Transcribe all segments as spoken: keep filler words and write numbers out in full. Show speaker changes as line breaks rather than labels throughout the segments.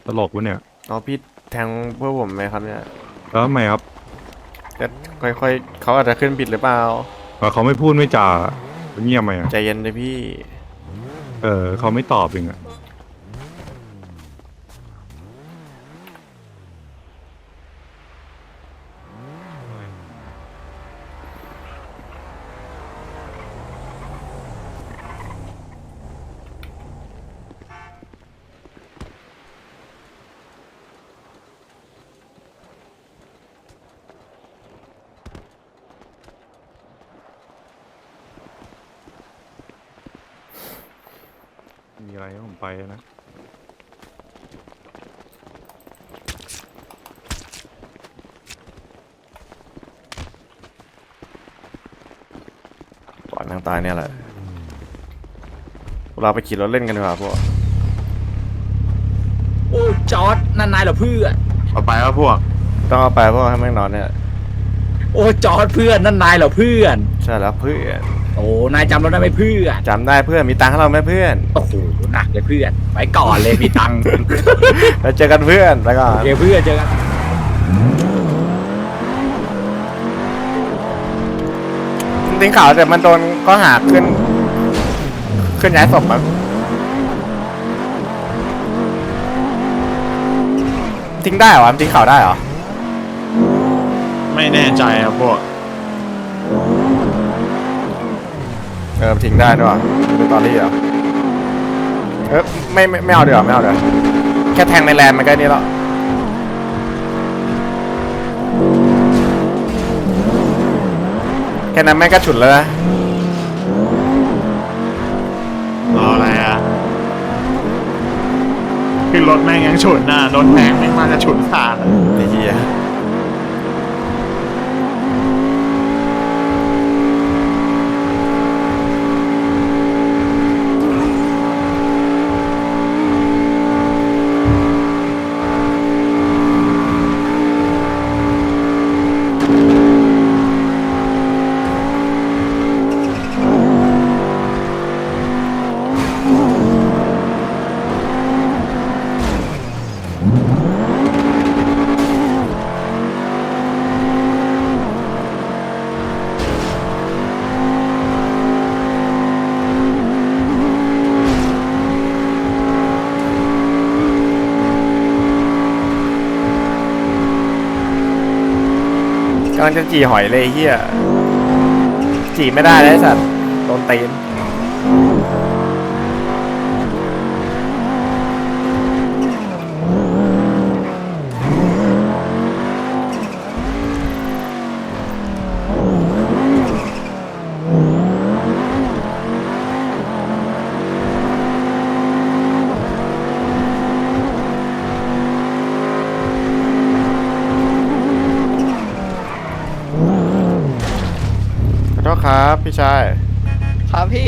ตลกวะเนี่ย
อ๋อพี่แทงเพื่อผมไหมครับเนี่ย
แล้วทำไมครับ
ก็ค่อยๆเขาอาจจะขึ้นบิดหรือเปล่า
ว่าเขาไม่พูดไม่จาเงียบไหมอ่ะ
ใจเย็นเลยพี่
เออเขาไม่ตอบเองอ่ะมีอะไรให้ผมไปนะ
ก่อนทางตายเนี่ยแหละเราไปขี่รถเล่นกันดีกว่าพวก
โอ้จอร์ดนั่นนายเหรอเพื่อน
เอาไปว่าพวกต้องเอาไปพวกให้แม่งนอนเนี่ย
โอ้จอร์ดเพื่อนนั่นนายเหรอเพื่อน
ใช่แล้วเพื่อน
โอ้นายจำเราได้ไหมเพื่อน
จำได้เพื่อนมีตังค์ให้เราไหมเพื่อน
โอ้โหหนักเลยเพื่อนไปก่อนเลยมีตังค์
แล้วเจอกันเพื่อนแล้วก็
เดี๋ยวเพื่อนเจอกัน
ทิ้งข่าวแต่มันโดนก็หาขึ้นขึ้นย้ายศพมั้งทิ้งได้เหรอทิ้งข่าวได้เหรอ
ไม่แน่ใจครับพวก
เออทิ้งได้ด้วยดูตอรี่เหรอเออไม่ไม่ไม่เอาเดี๋ยวไม่เอาเดี๋ยวแค่แทงในแลนด์มันก็นี่แล้วแค่นั้นแม่งก็ฉุนแล้วนะ
รออะไรอ่ะขึ้นรถแม่งยังฉุนน่ะรถแม่งแม่งมาจะฉุนขาดอะ
ไอ้เหี้ยกำลังจะจี่หอยเลยเฮียจี่ไม่ได้เลยสัตว์โดนตีนขอโทษครับพี่ชาย
ครับพี่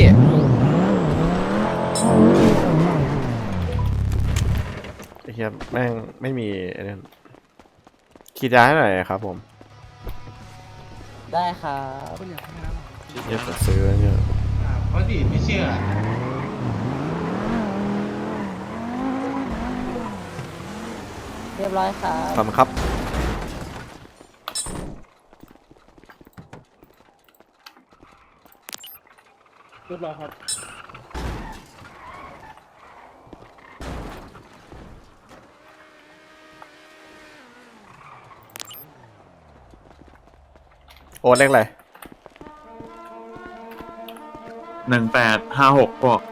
ไอ้เฮียแม่งไม่มีไอ้นั่นขีดยาให้หน่อยครับผม
ได้ครับ
เดี๋ยวจะซื้อเนี่ย
เพราะดิไม่เชื่อ
เรียบร้อยครับ
ทำครับ
เรียบร้อยครับ
โอนเลขอะไร
หนึ่งแปดห้าหกพวก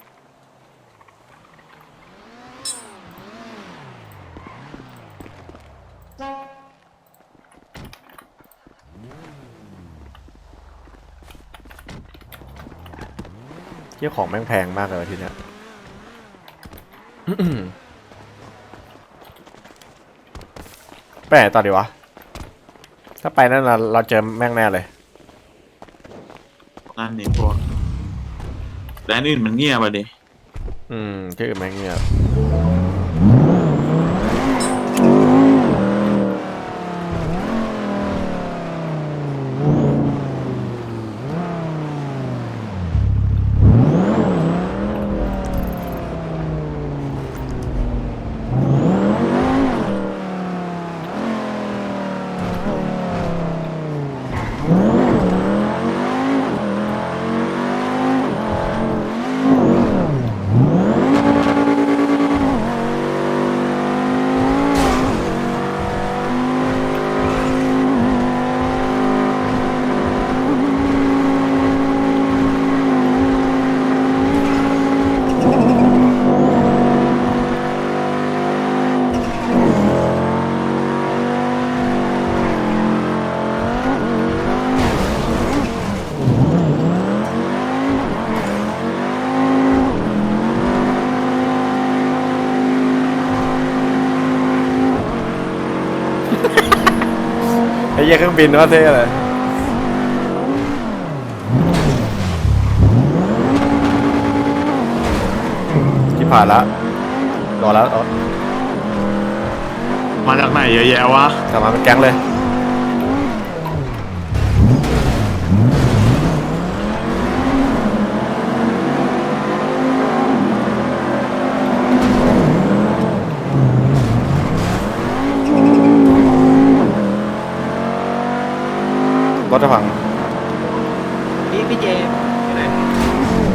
เที่ยของแม่งแพงมากเลยทีเนี้ย ไปไหนต่อดีวะ ถ้าไปนั่นเราเราเจอแม่งแน่เลย
นั่นนี่พวกแต่อันอื่นมันเงียบไปดิ
อืมที่อื่นแม่งเงียบเหี้ยเครื่องบินก็เท่เลยที่ผ่านแล้วรอแล้วรอ
มาจากไหนเยอะแยะวะ
กลับมาเป็นแก๊งเลยรถจะพัง
พี่พี่เจมส์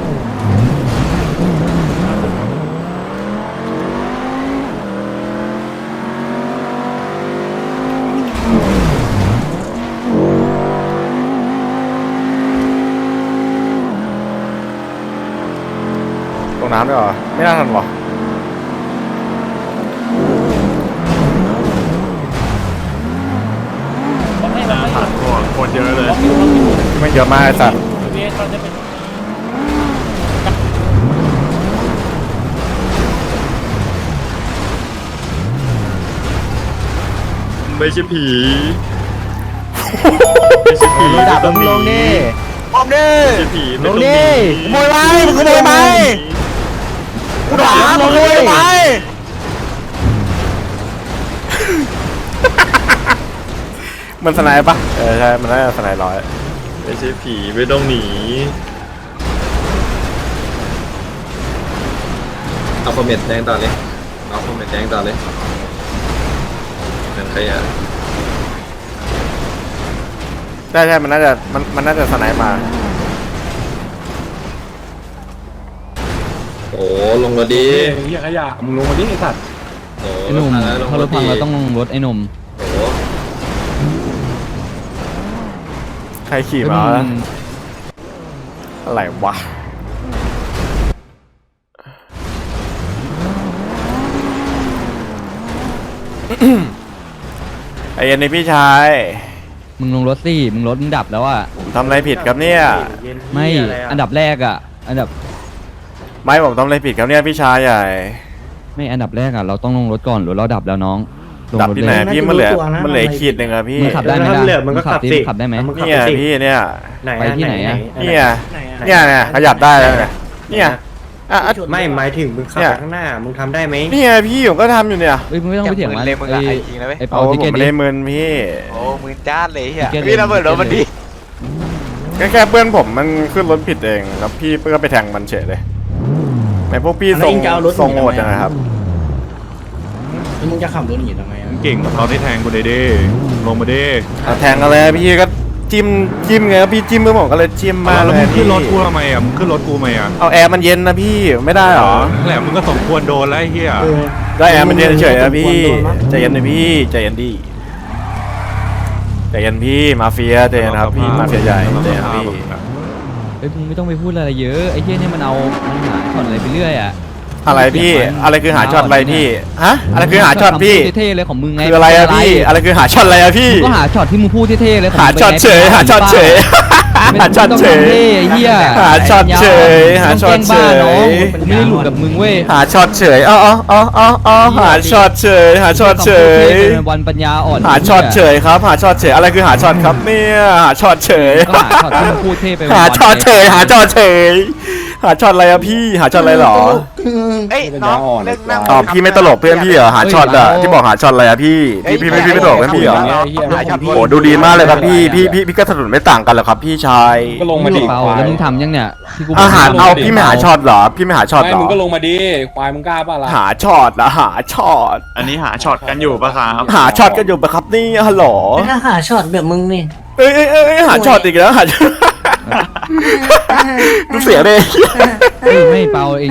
ตรงน้ำด้วยเหรอ ไม่น่าทันวะ
ผ่านก่อนโคตรเยอะเลย
ไม่เยอะมากไอ้สัตว์
ไม่ใช่ผีไม่ใช่ผี
ดับลงลงดิลงดิ
ไม่ใช่ผี
ลงดิ
ขโมยไหมมึงขโมยไหมกูถามมึงขโมยไหมมันสไนป์ปะเออใช่ มันน่าจะสไนป์ร้อย
ไม่ใช่ผีไม่ต้องหนีเอาคอมเมนต์แจ้งต่อเลยเอาคอมเมนต์แจ้งต่อเลยนั่นใครอ่ะ
ใช่ใช่มันน่าจะ มัน มันน่าจะสไนป์มา
โอ้ลงมาดี
เหี้ยขยะมึงลงมาดิไอ้สัตว์
โอ้
ไอ้หนุ่มถ้ารถพังเราต้องลงรถไอ้หนุ่ม
โอ้
ใครขี่
เฮ้ย
มา
มึ
วะ
ง
อะไรวะ ไอ้เย็นนี่พี่ชาย
มึงลงรถสิมึงรถมึงดับแล้วอ่ะ
ผมทำอะไรผิดครับเนี่ย
ไม่อันดับแรกอ่ะ อันดับ
ไม่ผมทำอะไรผิดครับเนี่ยพี่ชายใหญ่
ไม่อันดับแรกอ่ะเราต้องลงรถก่อนหรือเราดับแล้วน้องลง
ดับ
รถ
ที่
เล
ไหน
ย
พี่มันเหลือมันเหลือขีดหนึ่งอะพี่
มึงขับได้ไหมล่ะมึงขับสิขับได้ไหม
เนี่ยพี่เนี่ย
ไปที่ไหนอะ
เนี่ยเนี่ยเนี่ยขยับได้แล้วเนี่ยเนี่ยอ่ะอ่ะ
ไม่หมายถึงมึงขับ
เนี่ย
ไปข้างหน้า มึงทำได้ไหม
เนี่ยพี่ผมก็ทำอยู่เนี่ย
เฮ้ยมึงไม่ต้องไปเถียงมัน
เลยมึงอะ
ไอ้
ไอ้จริงนะเว้ย
ไอ้
เอา
เปา
ผ
ทิ
ม
เกต
ไม่
ดิ
ได้มึนพี่
โอ้มือจ้าเลยเฮีย
เกต
พี่ระเบิดรถมันดิ
แค่แค่เพื่อนผมมันขึ้นรถผิดเองแล้วพี่ก็ไปแทงมันเฉยเลยไหนพวกพี่ทรง
แล้วเองจะเอารถ
ทรง
หนี
โห
ทำไม
ดจังนะครับ
แล้วมึงจะขับรถหนีทำไมอะ
มึงเก่งกว่าเขาที่แทงกูเลยดิลงมาดิ
เอาแทงอะไรอะพี่ก็จิ้มจิ้มไงครับพี่จิ้มเพื่อนผมก็เลยจิ้มมาก
แล้ว
เล
มึ
ย
ง
พี่
ขึ้นรถกูทำไมอ่ะมึงขึ้นรถกูทำไมอ่ะ
เอาแอร์มันเย็นนะพี่ไม่ได้หรอ
นั่นแหละมึงก็สมควรโดนแล้วไอ้เหี้ย
เออ
ได้แอร์มันเย็นเฉยๆนะพี่
โดนมั้ย
ใจเย็นนะพี่ใจเย็นดิใจเย็นพี่มาเฟียใจเย็นครับพี่มาเฟียใหญ่ใจเย็นพี่
เฮ้ยมึงไม่ต้องไปพูดอะไรเยอะไอ้เหี้ยเนี่ยมันเอามันหาช็อตอะไรไปเรื่อยอ่ะ
อะไรพี่อะไรคือหาช็อตอะไรพี่ฮะอะไรคือหาช็อตพี่
คำพูดเท่ๆเลยของมึงไง
คืออะไรอะพี่อะไรคือหาช็อตอะไรอะพี่
มึงก็หาช็อตที่มึงพูดเท่ๆเลยของ
หา
มึง
ช็อต
ไง
เฉยหาช็อตเฉย
ไม่
หาช็อต
ต้อง
เฉย
ทำท่ไอ้เหี้ย
หาช็อตเฉยหาช็อตเฉย
มึงแกล้งบ้าน้องกูไม่ได้หลุดกับมึงเว้ย
หาช็อตเฉยอ๋ออ๋ออ๋ออ๋อหาช็อตเฉยหาช็อตเฉย
เป็นวันปัญญาอ่อน
หาช็อตเฉยครับหาช็อตเฉยอะไรคือหาช็อตครับเนี่ยหาช็อตเฉย
ก็หาช็อตที่มึงพูดเท่ไปวันๆ
หาช็อตเฉยหาช็อตเฉยหาช็อตอะไรอะพี่หาช็อตอะไรหรอ
เอ้ยน้องเลิกนั่ง
อ๋อพี่ไม่ตลกเพื่อนพี่เหรอหาช็อตอะที่บอกหาช็อตอะไรอะพี่พี่พี่ไม่พี่ไม่ตลกเพื่อนพี่เหรอ
หาช็อต
โอ้ดูดีมากเลยครับพี่พี่พี่พี่ก็ถนนไม่ต่างกันเหรอครับพี่ชาย
ก็ลงมาดิ
เปาแล้วมึงทำยังเนี่ยที่กูบก
อาหารเอา
ให้
พี่ไม่หาช็อตเหรอพี่ไม่หาช็อต
ไม่
เหรอ
มึงก็ลงมาดิ ควายมึงกล้าป่ะล่ะ
หาช็อตนะหาช็อต
อันนี้หาช็อตกันอยู่ปะครับ
หาช็อตกันอยู่ปะครับนี่ฮัลโหล
ไม่น่าหาช็อตแบบมึงนี่
เอ้ยเอ้ยเอ้ยเอ้ยหาช็อตอีกแล้วหาช็อตดูเสียเลย
เฮ้ยไม่เปาเอง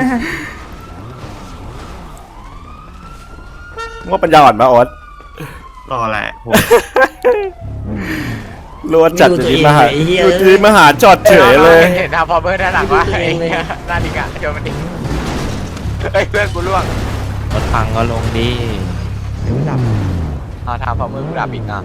ว่าปัญญาอ่อนมาออส
รอแหละ
รัวจัดอยู่ที่มาหาอยู่ที่มาหาช็อตเฉยเลย
เห็นทำพอเบอร์ด้านหลังว่าไอ้เหี้ยหน้าดิกะโยนมันดิเฮ้ยเพื่อนกูล่วง
รถพังก็ลงดี
เอาทำพอเบอร์กูดับอีกอ่ะ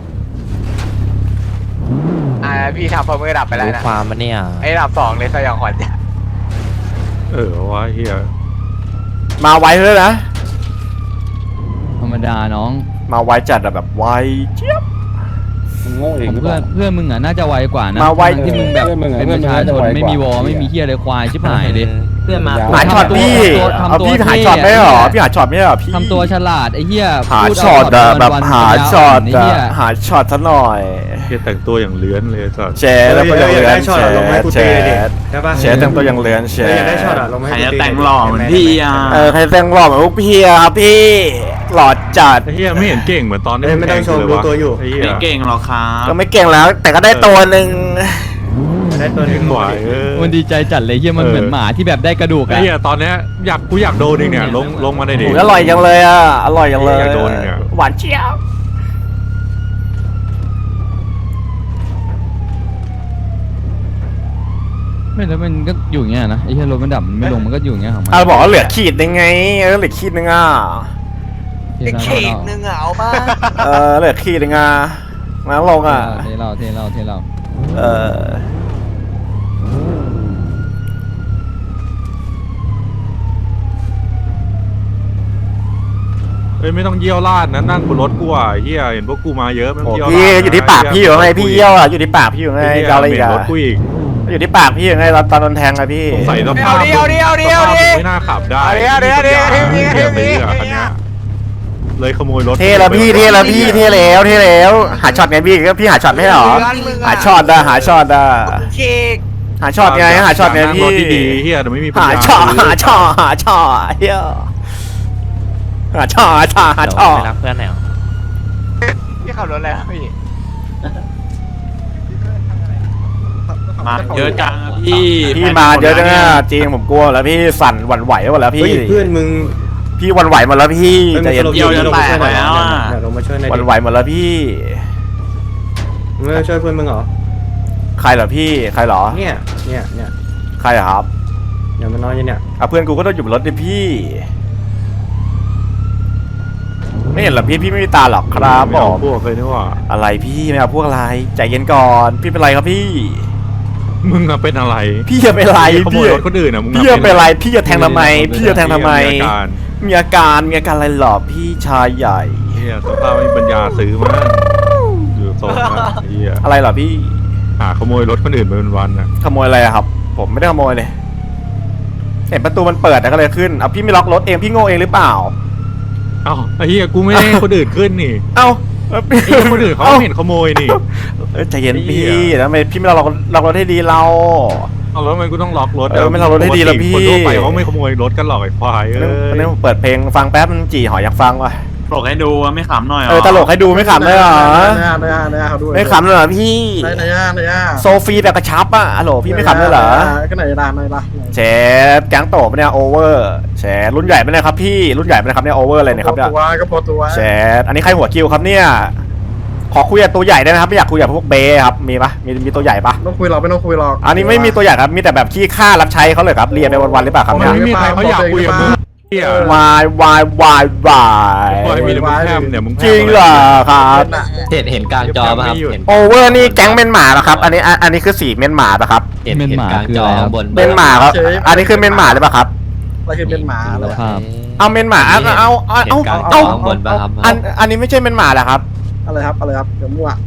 อ่าพี่ทำพอเบอร์ดับไปแล้ว
รู้
นะ
ความมันเนี่ย
ไอ้ดับสองเลยสยองขวัญจ้ะ
เออวะเหี้ย
มาไวเลยนะ
ธรรมดาน้อง
มาไวจัดอะแบบไวเจี๊ยบ
มึงโง่เอง
ของ
หรือเป
เพื่อ
ล่าน
เพื่อนมึงอ่ะน่าจะไวกว่านะ
มาไว
ที่มึงแบบ
เพื่อนมึงอะ
เป็นประชาชนไม่มีวอไม่มีเฮียอะไรควายชิบหายเลย
เพื่อนมา
หาช็อตพี่
ทำตัว
เอาพี่
ทำตัว
หาช็อตไม่ได้หรอ
เท่
พี่หาช็อตไม่ได้หรอพี่
ทำตัวฉลาดไอ้เหี้ย
หา
พูดเา
ช็อตอะ
วันๆ
แบบ
วันๆ
หา
ปัญญ
ช็อต
ไอ้
อะ
เหี้ย
หาช็อตซะหน่อย
เฮียแต่งตัวอย่างเลื้อนเลยสัส
แชร์แล้วก็ยังเลือน
ช็อต
แช
อะลง
ร์
ให้กู
แช
ตี
ร์
เลยดิใช่ปะ
แชร์แต่งตัวยังเลือนแช
เออ
ร์
อยากได้ช็อตอะลงให้
ใคร
กู
จะ
ตี
แต่งหล่อเหมือนพี่อ่ะ
เออใครแต่งหล่อเหมือนพวกพี่อะครับพี่หล่อจัด
ไอ้เฮียไม่เห็นเก่งเหมือนตอนที่
เอ้ยไม่ต้องชม
แข่
รู้
เลยวะ
ตัวอยู่
ไอ้เฮีย
ไม่เก่งหรอกครับ
ก็ไม่เก่งแล้ว แต่ก็ได้ตัวหนึ่ง
ได้ตัวห
เก่
นึ่
ง
ง
กว่าเออ
มันดีใจจัดเลยเหี้ยมัน
เออ
เหมือนหมาที่แบบได้กระดูก
ไอ้
อะ
เฮียตอนเนี้ยอยากกูอยากโดนเองเนี่ยลงลงมาได้ดิ
โอ้ยอร่อยจังเลยอะอร่อยจังเลย
อยากโดนเนี่ย
หวานเจี๊ยบ
ไม่แล้วมันก็อยู่อย่างเงี้ยนะไอ้เหี้ยรถมันดับมันไม่ลงมันก็อยู่อย่างเงี้ยของมัน
อ่ะบอกว่าเหลือขีดนึงไงเออเหลือขีดนึงอ่ะ
เทเรา
เข่งนึงอะเอามา
เออเหลือขีดนึงอ่ะมาลงอ่ะ
เทเราเทเราเทเรา
เออ
เฮ้ยไม่ต้องเยี่ยวลาดนะนั่งบนรถกูอ่ะไอ้เฮียเห็นพวกกูมาเยอะไม่ต้อ
โอ้
งเยี่ยวลาด
พี่อยู่ที่ปากพี่อยู่ไงพี่เยี่ยวอ่ะอยู่ที่ปากพี่อยู่ไง
ไอ้เฮีย
จะเอาอะไรอีก
เหม็น
อ่ะ
รถกูอีก
อยู่ที่ปากพี่อยู่ไงตอนตอนโดนแทงอะพี่
ใส่สภาพ
เดี๋ยวเดี๋ยวเดี๋ยว
สภาพ
เดี๋ยว
ไม่น่าขับได้
เดี๋ยวเดี๋ยวเดี๋ยวเดี๋ยว
ไม่มี
เดี๋ยว
ปัญญา
เดี๋ยว
ซื้ออะคันเนี้ยเลยขโมยรถ
เท่แล้วพี่เท่แล้วพี่เท่แล้วเท่แล้วหาช็อตไงพี่ก็พี่หาช็อตไม่ให้หรอหาช็อตอะหาช็อตอะ
เค้ก
หาช็อตไงหาช็อตไง
นั่
พี่
รถดีๆเฮียแต่ไม่มีปัญ
หา
ญา
ช็อต
ซื้
หาช็อตหาช็อตเฮียหาช็อตหาช็อตหาช็อต
รักเพื่อนไหนพี่ขับรถอะไรครับพี่
มาเยอะจังอะพี่
พี่มาเยอะจังอะจริงผมกลัวแล้วพี่สั่นหวั่นไหวหมดแล้ว
เฮ้
พี่
ยเพื่อนมึง
พี่หวั่นไหวหมดแล้วพี่ใจเย็น
เดี๋ยวจะลงมาช่วยหน่อยเดี๋ยวลงมาช่วยหน่อย
หวั่น
ดิ
ไหวหมดแล้วพี่
มึงไม่ช่วยเพื่อนมึงเหรอ
ใครเหรอพี่ใครเหรอ
เนี่ยเนี่ยเนี่ย
ใครเหรอครับ
อย่ามันน้อยเนี่ย
อ่ะเพื่อนกูก็ต้องอยู่บนรถดิพี่ ไม่เห็นเหรอพี่พี่ไม่มีตาหรอกครับ
ไม่
ผ
เอา
ม
พวกเลยนี่หว่า
อะไรพี่ไม่เอาพวกอะไรใจเย็นก่อน พี่เป็นไรครับพี่
มึงอะเป็นอะไร
พี่จะเป็นไร
ขโม
พี่
ยรถคนอื่นอะมึง
พี่จะเป็นไรพี่จะแทงทำไม พี่จะแทงทำไม
อาการ
มีอาการมีอาการอะไรหรอพี่ชายใหญ่
เฮียสภาพไม่มีปัญญาซื้อมาอยู่ทรงนะเฮีย
อะไรเหรอพี่
หาขโมยรถคนอื่นไปเป็นวันนะ
ขโมยอะไรอะครับ ผมไม่ได้ขโมยเลยเห็นประตูมันเปิดแต่ก็เลยขึ้นเอาพี่ไม่ล็อกรถเองพี่โง่เองหรือเปล่า
เอ้าไอ้เฮียกูไม่ได้ให้คนอื่นขึ้นนี่
เอ้า
ไอ้เหี้ยคนอื่นเขาไม่เห็นขโมยนี่
เอ้ยใจเย็น
ไอ้เหี้
พี่
ย
แล้วทำไมพี่ไม่ล็อกล็อกรถให้ดีเรา
เอาแล้วทำไมกูต้องล็อกรถะ
เออไม่ล็อกรถให้ดีแล้วพี่
คนทั่วไปเขาไม่ขโมยรถกันหรอกไอ้ควายเอ
วันนี้
อ
ผมเปิดเพลงฟังแป๊บมันจี่หอยอยากฟังว่ะ
ปลกให้ดูอะไม่ขำหน่อยหร
เออตลกให้ดูไม่ขำเลยเหรอ
ได้ได้ได้เขาด้วย
ไม่ขำเลยเหรอพี่
ได้ได้ได้ได้
โซฟีแบบกระชับอ่ะฮัลโหลพี่ไม่ขำเลยเหรอ
ก็ไหนได้ไหนได้
แชร์แก๊งโตปะเนี่ยโอเวอร์แชร์รุ่นใหญ่ไหมเนี่ยครับพี่รุ่นใหญ่ไหมเนะครับเนี่ยโอเวอร์อะไรเนี่ยครับเนี่ย
ตัวก็พอตัว
แชร์อันนี้ใครหัวคิวครับเนี่ยขอคุยกับตัวใหญ่ได้ไหมครับไม่อยากคุยกับพวกเบย์ครับมีปะมีมีตัวใหญ่ปะ
ต้องคุยหรอกไม่ต้องคุยหรอก
อันนี้ไม่มีตัวใหญ่ครับมีแต่แบบขี้ข้ารับใช้เขาเลยครับเรียนไปวันๆหรือเปล่าครับ
มั
เนี่ย
นไม่มีใครเขาอยากคุยกับมึงเฮียว
ายวายวายวาย
ควายมีแต่มึงแพมเนี่ยมึงแพม
จริงเหรอครับ
เห็นเห็นกลางจอป่ะครับเห็น
โอเวอร์นี่แก๊งเมนหมาเหรอครับ อันนี้อันอันนี้คือสีเมนหมาปะครับ
เห็น
เมน
เห็น
หมาก
ลาง
คือ
จอ
อะไรครับ
บน
เมนหมาครับ อันนี้คือเมนหมาหรือเปล่าครับ
อะไรคือเป็นหมา
สภาพ
เอาเมนหมาเอาเอาเอา
เห็น
เอา
กลางจ
เอา
อบนป่ะครับ
อันอันนี้ไม่ใช่เมนหมาเหรอครับ
อะไรครับอะไรครับเดี๋ยวมั่ว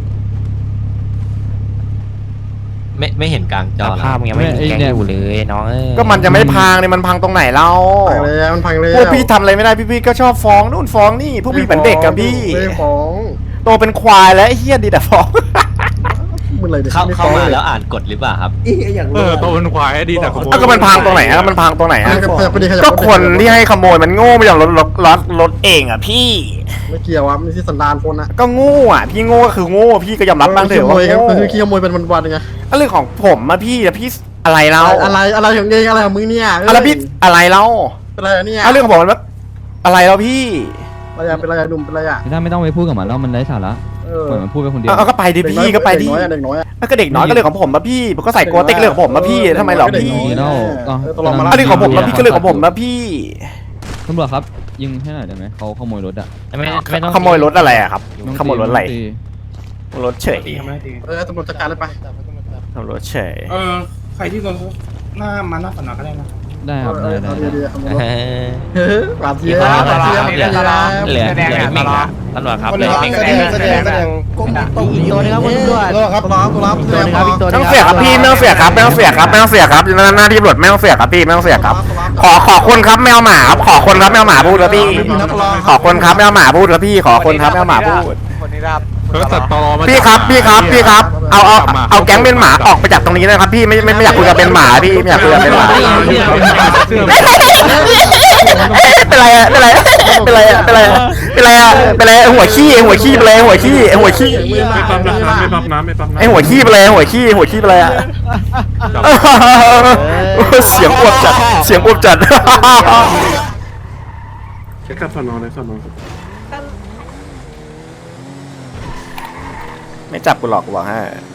ไม่ไม่เห็นกลางจอ
ภาพยังไม่มีแกงอยู่เลย
น้องเอ้ย
ก็มันจะไม่พังเนี่ยมันพังตรงไหนเล่า
พังเลยมันพังเลย
พวกพี่ทำอะไรไม่ได้พี่พี่ก็ชอบฟ้องนู่นฟ้องนี่พวกพี่เหมือนเด็กกับพี่
ไม่ฟ้อง
โตเป็นควายแล้วไอ้เฮียดีแต่ฟ้อง
มึงเลย
เข้าเข้ามาแล้วอ่านกฎหรือเปล่าครับ
เออโตเป็นควายดีแต่ขโมย
อ่ะก็มันพังตรงไหนอ่ะมันพังตรงไหนอ่ะ
ขยับไปดิขยับ
ก็คนที่ให้ขโมยมันโง่ไม่ยอมรถรถรถรถเองอ่ะพี่
ไม่เกี่ยวอ่ะมันที่สันดานคนอ่ะ
ก็โง่อ่ะพี่โง่ก็คือโง่พี่ก็ยอมรับบ้างเถอะว่า
ครับ
โง่
คือขี้ขโมยเป็นวันๆไง
ก็เรื่องของผมอะพี่แต่พี่อะไรเรา
อะไรอะไรของเองอะไรของมึงเนี่ย
อะไรพี่อะไรเรา
เป็นอะไรเนี่ย
เอาเรื่องของผมมันอะไรเราพี่
อะไรเป็นอะไรหนุ่มเป็นอะไรอ่ะ
ถ้าไม่ต้องไปพูดกับมันแล้วมันไร้สาระ
เออ
ปล่อยมันพูดไปคนเดียว
เอาเอาก็ไปดิพี่ก็ไปดิ
เด็กน้อยเด็กน้อย
แล้วก็เด็กน้อยก็เรื่องของผมมาพี่ผมก็ใส่โกเต็กเรื่องของผมมาพี่ทำไมหรอพี่
นี่แล้วก็
อันนี้ของผมมาพี่ก็เรื่องของผมมาพี่
ตำรวจครับยิงให้หน่อยได้ไหมเขาขโมยรถอะ
ไม่ไม่ต้อง
ขโมยรถอะไรอะครับ
น้อง
ขโมยรถอะไร
ตี
รถเฉย
เออตำรวจจัดการเลยไป
รถเฉย
เออใครที่โดนหน้ามาหน้าสนามก็ได้นะ
ได้ครับได้ได้ได้
เฮ้ยปรับเย
อีก
อะ
คน
ต
นึง
ลอด
เห
นี่
ลือ
ตลอด
เหลือ
แส
เห
ด
ลื
ง
อ
ต
มิ่ง
ลอ
ครั
ด
บตำรวจครับ
คน
เหลื
ละ
อ
ครับ
มิ่ง
แสดงแสดงแสดงก้มต้องอีกตัวนึงครับคุณตำรวจโลครับตัวครับตัวครับตัวครับอีกตัว
ไม่ต้องเสียครับพี่ไม่ต้องเสียครับไม่ต้องเสียครับไม่ต้องเสียครับหน้าหน้าที่ตำรวจไม่ต้องเสียครับพี่ไม่ต้องเสียครับ ขอขอคนครับแมวหมาครับขอคนครับแมวหมาพูดครับพี่ ขอคนครับแมวหมาพูดครับพี่ขอคนครับแมวหมาพูด
คนนี้ครับ
เออสัตว์ตอมา
พี่ครับพี่ครับพี่ครับเอาเอาเอาแก๊งเป็นหมาออกไปจากตรงนี้นะครับพี่ไม่ไม่ไม่อยากคุยกับเป็นหมาพี่ไม่อยากคุยกับเป็นหมาเป็นไรอะเป็นไรเป็นไรอะเป็นไรเป็นไรอะเป็นไรหัวขี้หัวขี้เป็นไรหัวขี้หัวขี้
ไม่ปั๊มน้ำไม่ปั๊มน้ำไม่ปั๊มน้ำ
ไอหัวขี้เป็นไรหัวขี้หัวขี้เป็นไรอะเสียงอวบจัดเสียงอวบจัด
แค่ขับสนอนเลยสนอน
ไม่จับกูหรอกกูบอกให้